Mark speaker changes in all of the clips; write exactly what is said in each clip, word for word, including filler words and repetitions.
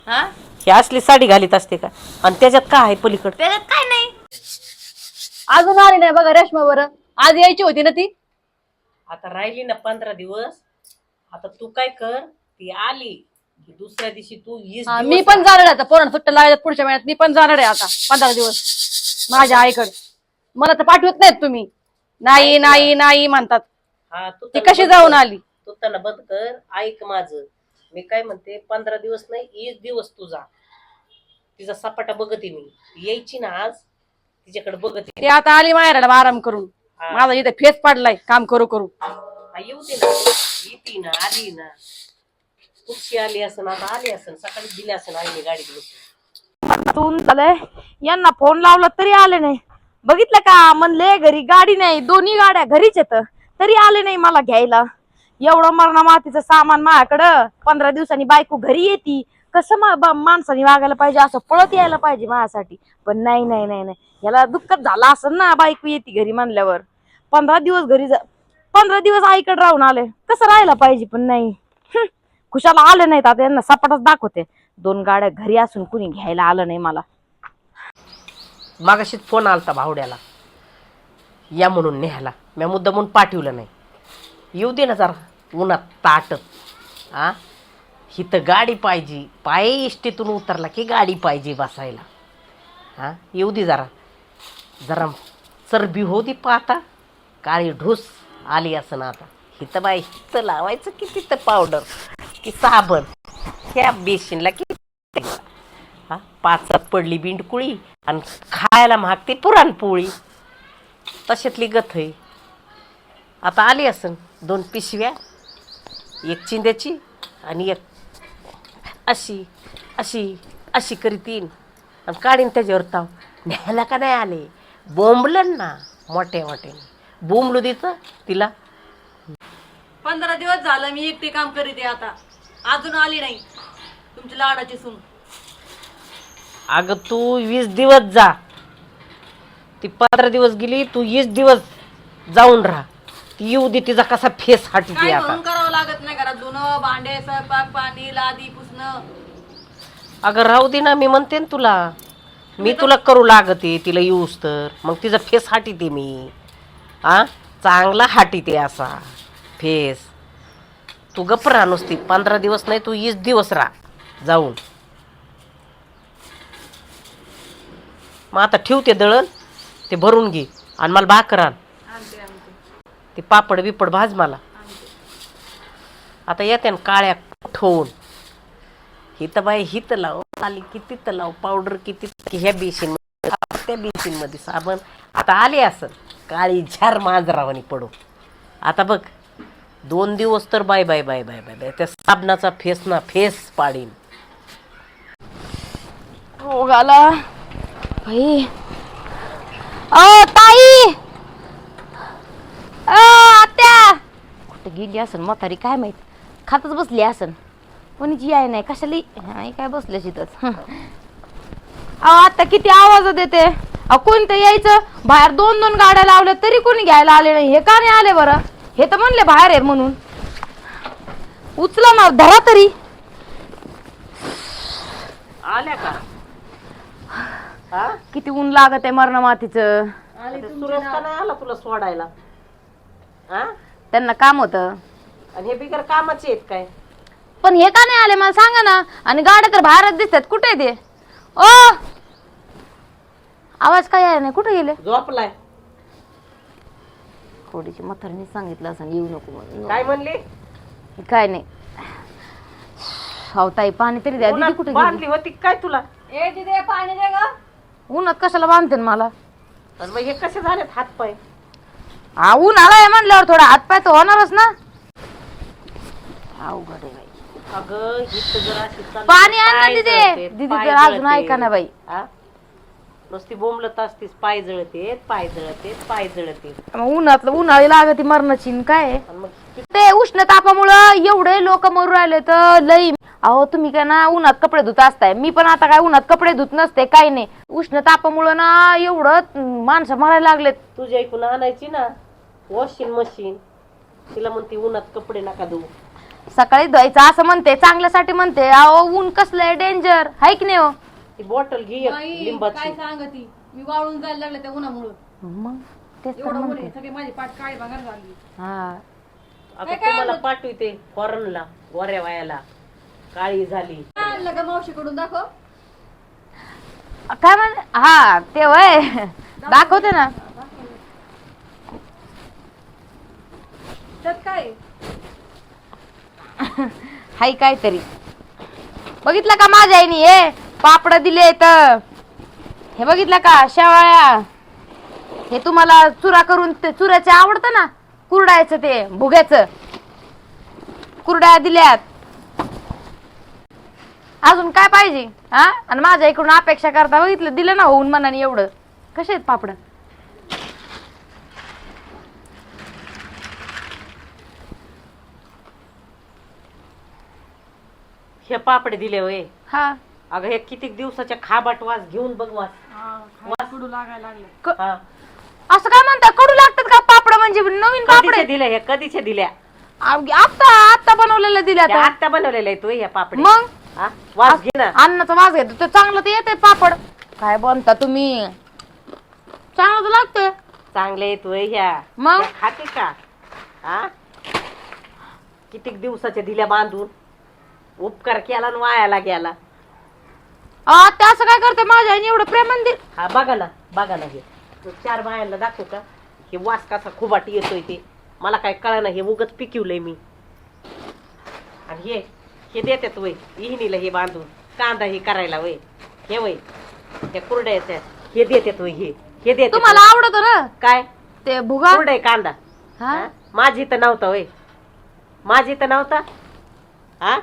Speaker 1: हा
Speaker 2: ही असली साडी घालीत असते का? आणि त्याच्यात काय आहे पलीकड?
Speaker 1: त्याच्यात काय नाही.
Speaker 3: अजून आली नाही बघा रेशमा बरं. आज यायची होती ना ती.
Speaker 2: आता राहिली ना पंधरा दिवस. आता तू काय कर, ती आली की दुसऱ्या दिवशी तू वीस
Speaker 3: हा,
Speaker 2: दिवस
Speaker 3: मी पण जाणार आहे आता. पोरांना सुट्ट्या लागल्यात पुढच्या महिन्यात. मी पण जाणार आहे आता पंधरा दिवस माझ्या आईकडे. मला तर पाठवत नाहीत तुम्ही. नाही नाही नाही म्हणतात.
Speaker 2: हा तू
Speaker 3: ती
Speaker 2: त्यांना
Speaker 3: कशी
Speaker 2: बंद
Speaker 3: जाऊन
Speaker 2: कर.
Speaker 3: आली?
Speaker 2: तू त्यांना बंद कर. ऐक माझं, मी काय म्हणते, पंधरा दिवस नाही वीस दिवस तुझा तिचा सपाटा बघते मी. यायची ना आज तिच्याकडे बघते.
Speaker 3: ती आता आली माहेराला आराम करून. माझा इथे फेस पडलाय काम करू करू.
Speaker 2: हा, येऊ दे ना. येते ना, आली ना. कुठची आली असन, आता आली असन, सकाळी दिली असन आईने गाडीत बसून.
Speaker 1: झालंय यांना फोन लावला तरी आले नाही. बघितलं का, म्हणले घरी गाडी नाही, दोन्ही गाड्या घरीच येत तरी आले नाही मला घ्यायला. एवढं मरणा मातीचं सामान माझ्याकडं. पंधरा दिवसांनी बायको घरी येते, कसं माणसाने वागायला पाहिजे, असं पळत यायला पाहिजे माझ्यासाठी. पण नाही नाही नाही नाही याला दुःखच झालं असं ना, बायको येते घरी म्हणल्यावर. पंधरा दिवस घरी जा पंधरा दिवस आईकडे राहून आले, कसं राहायला पाहिजे. पण नाही, खुशाला आले नाहीत. आता यांना सपाटच दाखवते. दोन गाड्या घरी असून कुणी घ्यायला आलं नाही मला.
Speaker 2: मागाशीच फोन आलता भावड्याला या म्हणून न्यायला. मी मुद्दा म्हणून पाठवलं नाही. येऊ दे ना जरा उन्हात ताटत. हा, ही तर गाडी पाहिजे. पाय इष्टीतून उतरला की गाडी पाहिजे बसायला. हा, येऊ दे जरा जरा चरबी हो दे पाहता. काळी ढूस आली असं ना. आता हिथं बाई हिथं लावायचं की तिथं पावडर की साबण, ह्या बेसिनला की हा, पाचात पडली बिंडकुळी आणि खायला मागते पुरणपोळी. तशातली गथ आहे. आता आली असन दोन पिशव्या, एक चिंद्याची आणि एक अशी अशी अशी करीतीन आणि काढीन त्याच्यावर ताव. न्यायला का नाही आले? बोंबलन ना मोठ्या मोठ्याने. बोंबलू देतं तिला.
Speaker 3: पंधरा दिवस झालं मी एकटी काम करीत आहे. आता अजून आली नाही तुमची लाडाची सून.
Speaker 2: अगं तू वीस दिवस जा. ती पंधरा दिवस गेली, तू वीस दिवस जाऊन राहा. ती येऊ दे, तिचा कसा फेस हाटी
Speaker 3: काय
Speaker 2: आता.
Speaker 3: म्हणून करावं लागत नाही घरात. धुणं भांडे स्वयंपाक पाणी लादी पुसणं.
Speaker 2: अगं राहू दे ना, मी म्हणते ना तुला. मी तुला करू लागते तिला येऊस तर. मग तिचा फेस हाटीते मी. आ चांगला हाटीते असा फेस. तू गप्प राहा नुसती. पंधरा दिवस नाही तू वीस दिवस राहा जाऊन. मग आता ठेवते दळण, ते भरून घे आणि मला भाकर आण. ते पापड बिपड भाज मला. आता येते ना काळ्या ठेवून. हिथं बाई हिथं लाव आली की तिथं लाव पावडर किती की ह्या बेसिन त्या बेसिन मध्ये साबण. आता आले असं काळी झार मांजरावानी पडू. आता बघ दोन दिवस तर bye bye bye bye bye bye त्या साबणाचा फेस ना फेस पाडीन.
Speaker 1: हो गाला बाई. अ ताई, अ आत्या कुठे गेली असन म्हातारी काय माहित. खातच बसली असन. कोणीची आहे नाही कशाला काय बसल्या तिथंच. अहो आता किती आवाज देते. अहो कोणतं यायचं बाहेर. दोन दोन गाड्या लावल्या तरी कोणी घ्यायला आले नाही. हे का नाही आले बरं? हे तर म्हणले बाहेर आहे म्हणून. उचला ना, धरा तरी.
Speaker 2: आल्या का? हा,
Speaker 1: किती ऊन लागत आहे मरणा मातीचं.
Speaker 2: सुरेश का नाही आला तुला सोडायला? हा,
Speaker 1: त्यांना काम होतं.
Speaker 2: आणि हे बिगर कामाचे आहेत काय?
Speaker 1: पण हे का नाही आले मला सांगा ना. आणि गाड्या तर बाहेरच दिसतात. कुठे ते? ओ आवाज काय आहे नाही. कुठे गेले?
Speaker 2: झोपलाय.
Speaker 1: थोडीशी म्हातारीने सांगितलं असं येऊ नको म्हणून.
Speaker 2: काय म्हणली?
Speaker 1: काय नाही. ताई पाणी तरी द्या. दीदी कुठे
Speaker 2: बांधली होती काय तुला?
Speaker 3: ए तिथे पाणी दे ग.
Speaker 1: उन्हात कशाला बांधते मला?
Speaker 2: आणि मग हे कसे झालेत हात पाय?
Speaker 1: हा ऊन आलाय म्हणल्यावर थोडा हातपाय तर होणारच ना. अवघड आहे बाई.
Speaker 2: अगं हित जर अशी चालली
Speaker 1: पाणी आण ना
Speaker 2: पाय
Speaker 1: दीदी.
Speaker 2: जळतेत,
Speaker 1: दीदी
Speaker 2: पाय
Speaker 1: तर अजून
Speaker 2: जळतेत.
Speaker 1: ऐका ना बाई.
Speaker 2: हा? नुसती बोंबलत असतीस. पाय जळतेत पाय जळतेत पाय जळतेत.
Speaker 1: मग उन्हातलं उन्हाळी लागती मरणाची काय.
Speaker 2: आणि मग
Speaker 1: ते उष्ण तापामुळं एवढे लोक मरू राहिले तर लई. अहो तुम्ही काय ना उन्हात कपडे धुत असताय. मी पण आता काय उन्हात कपडे धुत नसते काही नाही. उष्ण तापामुळं ना एवढं माणसं मरायला लागलेत.
Speaker 2: तुझ्या ऐकून आणायची ना वॉशिंग मशीन. तिला म्हणते उन्हात कपडे नका धुवू.
Speaker 1: सकाळी धुवायचं असं म्हणते, चांगल्यासाठी म्हणते. अहो ऊन कसलंय डेंजर, हाय की नाही हो?
Speaker 2: ती बॉटल घे एक
Speaker 3: बाई,
Speaker 2: लिंबाची.
Speaker 3: काय सांगती मी वाळून जायला लागले त्या उन्हामुळं.
Speaker 1: मग तेच तर
Speaker 3: एवढं ऊन
Speaker 1: म्हणते.
Speaker 3: आहे, सगळी माझी पाठ काळी भांगर झाली.
Speaker 1: हा
Speaker 2: आता
Speaker 3: काय काय
Speaker 2: तुम्हाला
Speaker 3: आणलं?
Speaker 2: पाठवते फॉरनला, गोऱ्या वायाला काळी झाली.
Speaker 3: काय आणलं का मावशीकडून दाखव.
Speaker 1: काय म्हण हा ते वय दाखवते ना.
Speaker 3: त्यात काय
Speaker 1: हाय काहीतरी. बघितलं का माझ्या आईने हे पापड दिले तर, हे बघितलं का शेवाळ्या, हे तुम्हाला चुरा करून ते चुऱ्याचे आवडतं ना, कुरडायचं ते भुग्याचं, कुरड्या दिल्यात. अजून काय पाहिजे हा? आणि माझ्या इकडून अपेक्षा करता, बघितलं दिलं ना होऊन मनाने एवढं. कसे आहेत पापड?
Speaker 2: हे पापडे दिले होय.
Speaker 1: हा
Speaker 2: अगं हे किती दिवसाच्या खाबाट वास घेऊन बघ वास.
Speaker 3: कडू लागायला लागले.
Speaker 1: क-
Speaker 2: हा.
Speaker 1: असं काय म्हणता, कडू लागतात का पापड? म्हणजे नवीन पापड
Speaker 2: कधीचे
Speaker 1: आहेत.
Speaker 2: दिले हे? कधीचे दिल्या?
Speaker 1: आता आता बनवलेलं दिल्या
Speaker 2: त्या
Speaker 1: आता.
Speaker 2: आत्ता बनवलेले आहे तू या पापडे.
Speaker 1: मग
Speaker 2: हा? वास घे ना.
Speaker 1: अन्नाचा वास घेतो ते चांगलं तर येते पापड. काय बनता तुम्ही? चांगलं तर लागतंय.
Speaker 2: चांगले येतोय ह्या.
Speaker 1: मग?
Speaker 2: त्या खाते का? हा? कितीक दिवसाच्या दिल्या बांधून, उपकार केला आणि वायाला गेला.
Speaker 1: आ, ते असं काय करते माझ्या आईने एवढं प्रेमान दिल.
Speaker 2: हा बघा ना, बघा ना. हे तो चार बायांना दाखवू का हे वास कसा खुबाट येतोय ते? मला काय कळना, हे उगच पिकवलंय मी. आणि हे हे देतात वय इहिनीला हे बांधून, कांदा हे करायला वय, हे वय त्या कुरड्याच्या हे देतात वय, हे हे देतात.
Speaker 1: तुम्हाला आवडत ना
Speaker 2: काय
Speaker 1: ते भुगा?
Speaker 2: कुरडे कांदा?
Speaker 1: हा?
Speaker 2: हा? माझी तर नव्हता वय, माझी तर नव्हता. हा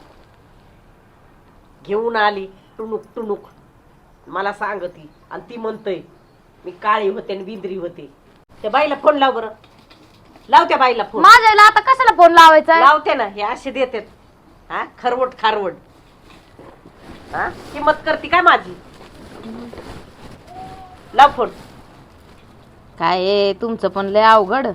Speaker 2: घेऊन आली टुनुक टुनुक, मला सांगती आणि ती म्हणतय मी काळी होते आणि विंद्री होते. त्या बाईला फोन लाव बरं, लाव त्या बाईला फोन.
Speaker 1: माझ्या आईला आता कशाला फोन लावायचा?
Speaker 2: लावते ना, हे असे देतात. हा खरवट खारवट. हा किंमत करते काय माझी? लाव फोन.
Speaker 1: काय आहे, तुमचं पण लय अवघड.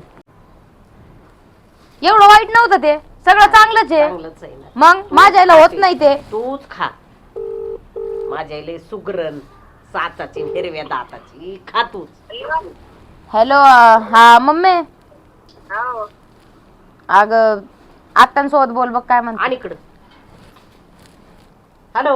Speaker 1: एवढं वाईट नव्हतं ते, सगळं चांगलंच आहे.
Speaker 2: चांगलंच आहे ना.
Speaker 1: मग माझ्या आईला होत नाही ते.
Speaker 2: तूच खा. माझ्या आईले सुगरण साचाची हिरव्या दाताची खा तूच.
Speaker 1: हॅलो, हा मम्मी. अग आत्यांसोबत बोल बघ काय म्हणते.
Speaker 2: आणि इकडं हॅलो.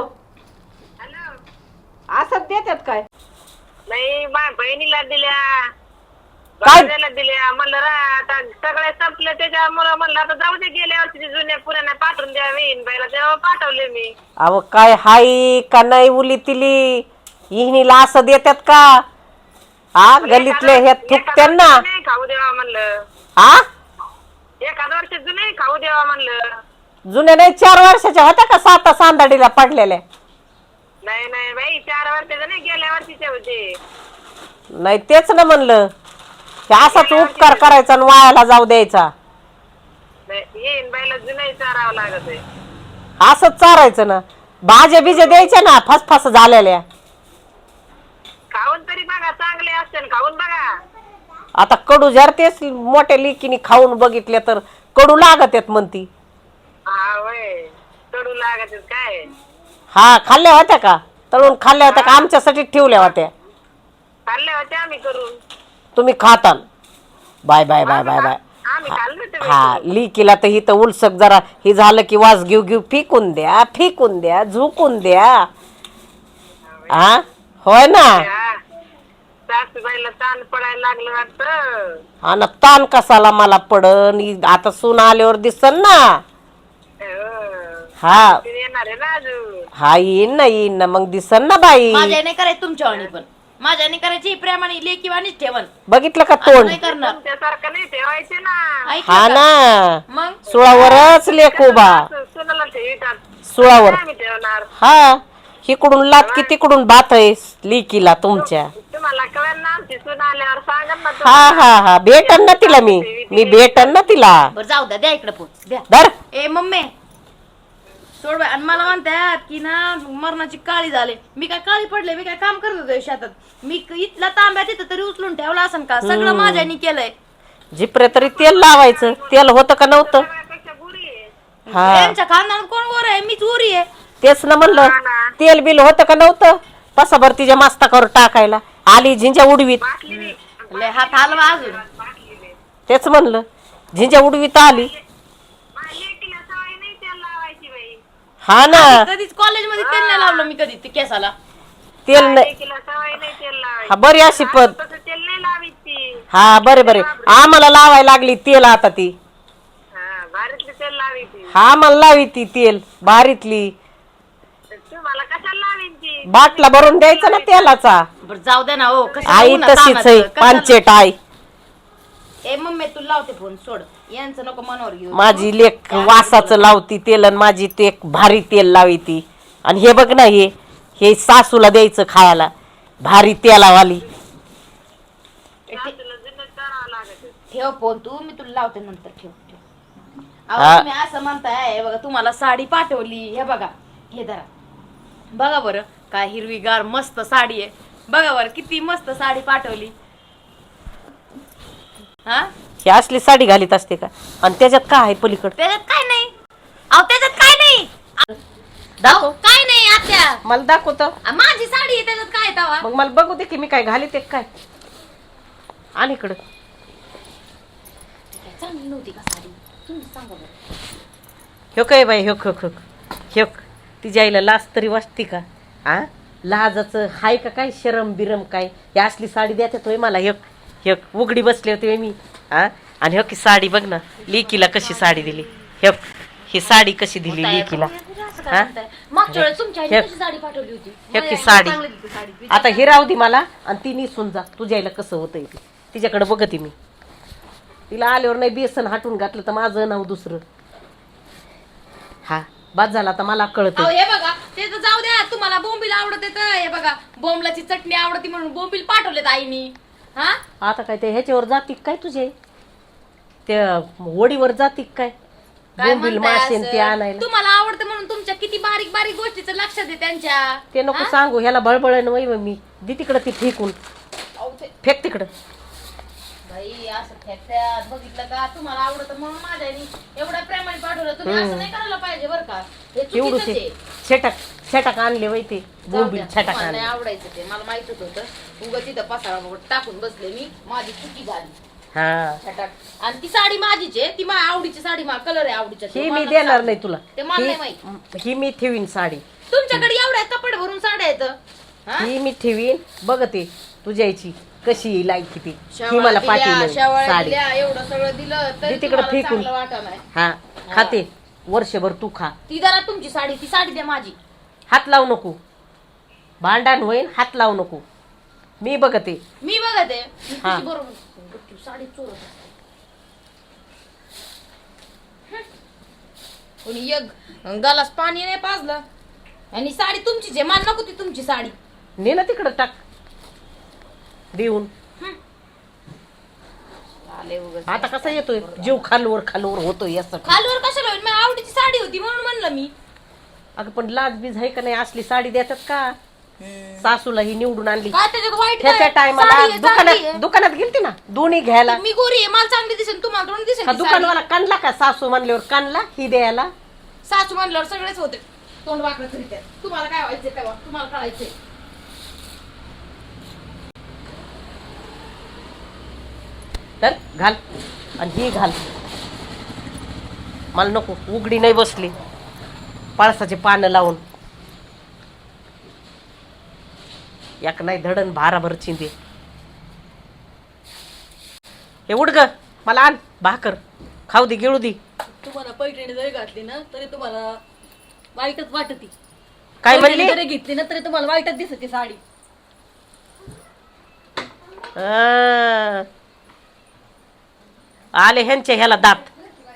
Speaker 2: असं देतात काय?
Speaker 4: नाही बा बहिणीला दिल्या,
Speaker 2: काय?
Speaker 4: भावाला दिल्या. म्हणलं रा आता सगळे संपलं त्याच्यामुळं म्हणलं आता जाऊ दे, गेल्या वर्षी जुन्या पुराण्या पाठवून द्या बहीण बाईला, तेव्हा पाठवले मी.
Speaker 2: अहो काय हाय का नाही उली तिली इहिनीला असं देतात का? हा गलीतले हे थुकत्यान ना.
Speaker 4: नाही खाऊ देवा म्हणलं,
Speaker 2: हा
Speaker 4: एखाद वर्ष जुने खाऊ देवा म्हणलं.
Speaker 2: जुन्या नाही, चार वर्षाच्या होत्या का साता सांदाडीला पडलेल्या?
Speaker 4: नाही नाही बाई, चार वर्षाचे नाही, गेल्या वर्षीचे होते.
Speaker 2: नाही तेच ना म्हणलं, हे असाच उपकार करायचा आणि वायाला जाऊ द्यायचा.
Speaker 4: येईन बाईला जुने चारावं लागत आहे.
Speaker 2: असंच चारायचं ना. भाज्या बिज्या द्यायच्या ना फसफस झालेल्या.
Speaker 4: खाऊन तरी बघा, चांगले असते खाऊन बघा.
Speaker 2: आता कडू जर तेच मोठ्या लेकीने खाऊन बघितले तर कडू लागत आहेत म्हणती.
Speaker 4: हा वय कडू लागत आहेत काय?
Speaker 2: हा खाल्ल्या होत्या का? तळून खाल्ल्या होत्या का? आमच्यासाठी ठेवल्या होत्या.
Speaker 4: खाल्ले होते आम्ही करून.
Speaker 2: तुम्ही खाताल. Bye bye bye bye bye.
Speaker 4: आम्ही खाल्ले होते
Speaker 2: हा
Speaker 4: बाई.
Speaker 2: लिकीला तर हिथं उलसक जरा हे झालं की वास घेऊ घेऊ फेकून द्या, फेकून द्या, झुकून द्या. हा होय ना.
Speaker 4: हा. सासूबाईला ताण पडायला लागलं वाटतं.
Speaker 2: हा ना, ताण कसाला मला पडन, इ- आता सून आल्यावर दिसन ना.
Speaker 4: हो.
Speaker 2: हा
Speaker 4: ते येणार आहे ना अजून.
Speaker 2: हा येईन ना, येईन ना, मग दिसन ना बाई.
Speaker 1: माझ्या नाही करायचं तुमच्या वाणी, पण माझ्या नाही करायची प्रेमाने लेकी वाणीच ठेवन.
Speaker 2: बघितलं का तोंड?
Speaker 1: नाही करणार.
Speaker 4: तुमच्यासारखं नाही ठेवायचे ना.
Speaker 1: ऐकलं
Speaker 2: हा
Speaker 1: का?
Speaker 2: ना,
Speaker 1: मग
Speaker 2: सुळावरच लेक उभा.
Speaker 4: सुनाला ठेवितात.
Speaker 2: सुळावर.
Speaker 4: आम्ही ठेवणार.
Speaker 2: हा इकडून लात की तिकडून बात आहे लिकीला तुमच्या.
Speaker 4: तुम्हाला कळेल ना, आमची सून आल्यावर सांगा ना
Speaker 2: हा
Speaker 4: तुम्हाला.
Speaker 2: हा हा भेटन ना तिला मी मी भेटन ना तिला.
Speaker 1: बरं जाऊ द्या, द्या इकडे फोन द्या.
Speaker 2: धर.
Speaker 1: ए मम्मी सोड बाई. आणि मला म्हणतात की ना मरणाची काळी झाले. मी काय काळी पडले? मी काय काम करत होते शेतात? मी क- इथला तांब्या तिथं तरी उचलून ठेवला असन का? सगळं माझ्यानी केलंय.
Speaker 2: जिपरे तरी तेल लावायचं. तेल होतं का नव्हतं?
Speaker 4: सगळ्यापेक्षा बुरी आहे.
Speaker 2: हा.
Speaker 1: यांच्या खानदानात कोण गोर आहे? मीच उरी आहे.
Speaker 2: तेच ना म्हणलं तेल बिल होतं का नव्हतं पसाभर तिच्या मस्तकावर टाकायला आली झिंजा उडवीत
Speaker 1: लय हात हलवा अजून.
Speaker 2: तेच म्हणलं झिंजा उडवीत आली
Speaker 4: लेकीला सवय नाही तेल लावायची बाई.
Speaker 2: हा ना
Speaker 1: कधीच कॉलेज मध्ये तेल नाही लावलं मी कधी ते केसाला.
Speaker 2: तेल नाही
Speaker 4: लेकीला सवय नाही तेल लावायची.
Speaker 2: हा बरी अशी पद
Speaker 4: तसं तेल नाही लावीत ती.
Speaker 2: हा बरे बरे आम्हाला लावायला लागली तेल आता ती
Speaker 4: हा भारीतली तेल लावी ती.
Speaker 2: हा मला लावी ती तेल भारीतली
Speaker 4: तुम्हाला कशाला लावीन ती?
Speaker 2: बाटला भरून द्यायचा ना तेलाचा
Speaker 1: बरं जाऊ दे ना हो. कशाला
Speaker 2: आई
Speaker 1: उन्हात
Speaker 2: तशीच
Speaker 1: तानाचं?
Speaker 2: आहे
Speaker 1: कशाला-
Speaker 2: पांचेट आई
Speaker 1: ए मम्मी तू लावते फोन सोड. यांचं नको मनावर घेऊ.
Speaker 2: माझी लेक वासाचं लावती तेल आणि माझी ते एक भारी तेल लावी ती आणि हे बघ ना हे हे सासूला द्यायचं खायला भारी तेलावाली
Speaker 4: सासूला जुनं करावं लागत.
Speaker 1: ठेव फोन तू मी तुला लावते नंतर. ठेव ठेव.
Speaker 2: हा.
Speaker 1: अहो तुम्ही असं म्हणताय हे बघा तुम्हाला साडी पाठवली हे बघा हे धरा बघा बरं काय हिरवीगार मस्त साडी आहे. बघा बरं किती मस्त साडी पाठवली. हा
Speaker 2: ही असली साडी घालीत असते का आणि त्याच्यात काय आहे पलीकडे
Speaker 1: त्याच्यात काय नाही. अहो त्याच्यात काय नाही.
Speaker 2: दाखव
Speaker 1: अहो, काय नाही आत्या.
Speaker 2: मला दाखवतो
Speaker 1: आ, माझी साडी आहे त्याच्यात काय तवा.
Speaker 2: मग मला बघू दे की मी काय घालीते काय आणि इकडं
Speaker 1: चांगली नव्हती का साडी तुम्ही सांगा बरं.
Speaker 2: ह्यो काय बाई ह्यो ह्यो ह्यो तिच्या आईला लाज तरी वाटते का आ लाजाचं हाय का काय शरम बिरम काय ही असली साडी द्यात होय मला ह्यो ह्यो उघडी बसले होते मी आ आणि ह्यो की साडी बघ ना लेकीला कशी साडी दिली ह्यो ही साडी कशी दिली लेकीला हा?
Speaker 1: मागच्या वेळेस तुमच्या आईने
Speaker 2: हे-
Speaker 1: कशी साडी पाठवली होती.
Speaker 2: हे की
Speaker 1: माझ्या
Speaker 2: साडी.
Speaker 1: आईने चांगली दिली साडी.
Speaker 2: आता ही राहू दे मला आणि ती निसून जा तुझ्या आईला कसं होतंय ते तिच्याकडे बघते मी तिला आल्यावर नाही बेसन हाटून घातलं तर माझं नाव दुसरं हा बाद झाला आता मला कळत
Speaker 1: अहो, हे बघा ते तर जाऊ द्या तुम्हाला बोंबील आवडते तर हे बघा बोंबलाची चटणी आवडती म्हणून बोंबील पाठवलेत आईनी. हा
Speaker 2: आता काय ते ह्याच्यावर जाती काय तुझे त्या वडीवर जाती काय
Speaker 1: काय
Speaker 2: बोंबील
Speaker 1: म्हणताय
Speaker 2: मासेन ते
Speaker 1: असं?
Speaker 2: आणायला
Speaker 1: तुम्हाला आवडतं म्हणून तुमच्या किती बारीक बारीक गोष्टीचं लक्षात आहे त्यांच्या.
Speaker 2: ते नको
Speaker 1: हा?
Speaker 2: सांगू ह्याला बळबळ वय मी दे तिकडं ती फेकून
Speaker 1: अहो, ते-
Speaker 2: फेक तिकडं
Speaker 1: बाई असं फेकत्यात बघितलं का तुम्हाला आवडतं म्हणून माझ्या आईनी एवढ्या प्रेमाने पाठवलं. तुम्ही असं नाही करायला पाहिजे बरं का. हे
Speaker 2: एवढू
Speaker 1: चुकीचंच आहे.
Speaker 2: छटाक छटाक आणले वय ते
Speaker 1: जाऊ
Speaker 2: बोंबील
Speaker 1: द्या,
Speaker 2: छटाक
Speaker 1: तुम्हाला
Speaker 2: आणले
Speaker 1: नाही आवडायचं ते मला माहितच होतं. उगाच तिथं पसारा वगैरे टाकून बसले मी माझी चुकी झाली.
Speaker 2: हा
Speaker 1: छटाक. आणि ती साडी माझीच आहे ती माझ्या आवडीची साडी माझा कलर आहे आवडीचा
Speaker 2: ही
Speaker 1: तो
Speaker 2: मी
Speaker 1: मला
Speaker 2: देणार
Speaker 1: सांग.
Speaker 2: नाही तुला
Speaker 1: ते मला नाही
Speaker 2: ही-
Speaker 1: माहित.
Speaker 2: ही मी ठेवीन साडी
Speaker 1: तुमच्याकडे एवढ्या कपडे भरून साड्या आहेत हा?
Speaker 2: ही मी ठेवीन बघते तुझ्या आईची कशी लायकी ती ही
Speaker 1: शेवाळ्या
Speaker 2: मला
Speaker 1: दिल्या,
Speaker 2: पाठवली
Speaker 1: शेवाळ्या
Speaker 2: साडी
Speaker 1: दिल्या, एवढं सगळं दिलं तरी
Speaker 2: ती तिकडे
Speaker 1: तुम्हाला
Speaker 2: फेकून.
Speaker 1: चांगलं वाटत नाही.
Speaker 2: हा खाते वर्षभर तू खा
Speaker 1: ती जरा तुमची साडी ती साडी द्या माझी.
Speaker 2: हात लावू नको भांडण होईन हात लावू नको मी बघते
Speaker 1: मी बघते मी
Speaker 2: हा.
Speaker 1: तुझी बरोबर तू साडी चोरत असते. कोणी एक गालास पाणी नाही पाजलं आणि साडी तुमचीच आहे मला नको ती तुमची साडी.
Speaker 2: ने ना तिकडं टाक देऊन
Speaker 1: आले उगाच.
Speaker 2: आता कसा येतोय जीव खालवर खालवर होतोय असं
Speaker 1: खालवर कशाला होईल माझ्या आवडीची साडी होती म्हणून म्हणलं मी.
Speaker 2: अगं पण लाज बीज आहे का नाही असली साडी देतात का सासूला ही निवडून आणली
Speaker 1: काय त्याच्यात वाईट
Speaker 2: त्याच्या
Speaker 1: काय?
Speaker 2: टायमाला
Speaker 1: साडी आहे, चांगली
Speaker 2: दुकानात
Speaker 1: आहे.
Speaker 2: दुकानात गेलती ना दोन्ही घ्यायला
Speaker 1: मी गोरी आहे मला चांगली दिसेल तुम्हाला थोडी दिसेल
Speaker 2: हा
Speaker 1: ती साडी.
Speaker 2: दुकानवाला काढला का सासू म्हणल्यावर काढला ही द्यायला
Speaker 1: सासू म्हणल्यावर सगळेच होते तोंड वाकडं करीत आहेत. तुम्हाला काय व्हायचंय तेव्हा तुम्हाला कळायचंय.
Speaker 2: तर घाल आणि ही घाल मला नको उघडी नाही बसली पळसाचे पानं लावून याक नाही धडण भाराभर चिंदे हे उड ग मला आण भाकर खाऊ दे गिळू दे
Speaker 3: तुम्हाला पैठणी जरी घातली ना तरी तुम्हाला वाईटच वाटती.
Speaker 2: काय
Speaker 3: पैठणी
Speaker 2: म्हणली
Speaker 3: जरी घेतली ना तरी तुम्हाला वाईटच दिसते साडी.
Speaker 2: आ, आले ह्यांच्या ह्याला दात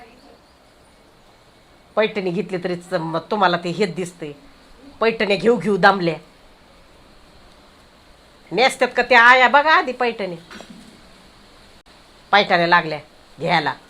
Speaker 2: पैठणी घेतली तरी च- तुम्हाला ते हेच दिसतंय पैठण्या घेऊ घेऊ दामल्या नेसतात का त्या आया बघा आधी पैठणी पैठण्या लागल्या घ्यायला